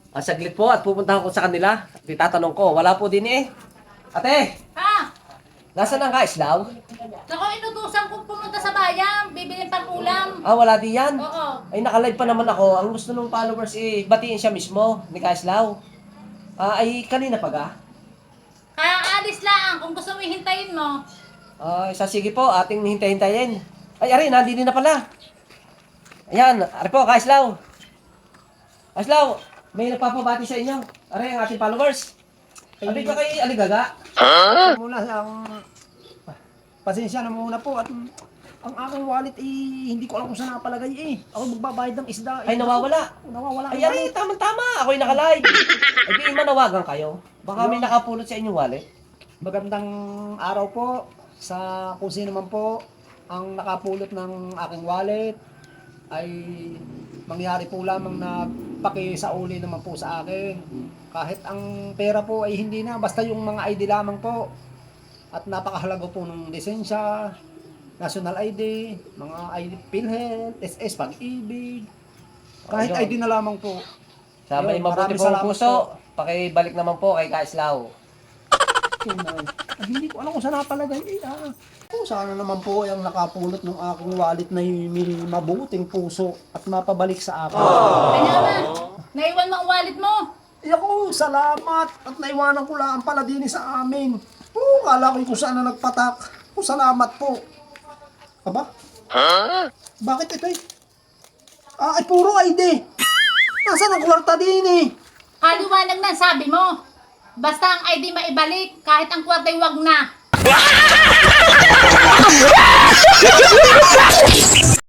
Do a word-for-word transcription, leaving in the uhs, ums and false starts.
Ah, saglit po at pupuntahan ko sa kanila. Titatanong ko, wala po din eh. Ate, Ha? nasaan ang kaislaw? Naku, inutusan ko pumunta sa bayan, bibilin pang ulam. Ah, wala din yan. Oo. Ay, nakalive pa naman ako. Ang gusto ng followers eh, batiin siya mismo ni Kaislaw. Ah, ay, kanina pa ga? Kaya alis lang, kung gusto mo hintayin mo. Ah, isa sige po, ating hintay-hintayin. Ay, ari, nandito na pala. Ayan, ari po, Kaislaw. Kaislaw, may nagpapabati sa inyo. Ari, ang ating followers. Sabi ka kay Aligaga. Muna lang, pasensya na muna po at ang aking wallet eh, hindi ko alam kung saan napalagay eh. Ako magbabayad ng isda. Ay, Eh, nawawala. Nawawala. Ay, ari, tama-tama. Ako'y nakalive. Ay, di manawagan kayo. Baka may nakapulot sa inyong wallet. Magandang araw po sa kung sino man po ang nakapulot ng aking wallet ay mangyari po lamang na pakisauli naman po sa akin. Kahit ang pera po ay hindi na, basta yung mga I D lamang po. At napakahalaga po ng lisensya, national I D, mga I D, PhilHealth, S S, Pag-ibig. Kahit Ayun. I D na lamang po. Sa may Ayun, mabuti maraming pong salamat puso, po. pakibalik naman po kay Kaislaw. Yun na. Ay, hindi ko alam kung saan napalagay. Eh, ah. Oh, sana naman po yung nakapulot ng aking wallet na may mabuting puso at mapabalik sa akin. Kanya naman, naiwan mo ang wallet mo. Eh ako, salamat. At naiwanan ko lang pala din sa amin. Oh, kala ko kung saan na nagpatak. Oh, salamat po. Aba? Bakit ito eh? Ah, ay puro I D. Nasaan ang kwarta din eh? Kaliwanag na ang sabi mo. Basta ang I D maibalik, kahit ang kwarta'y wag na.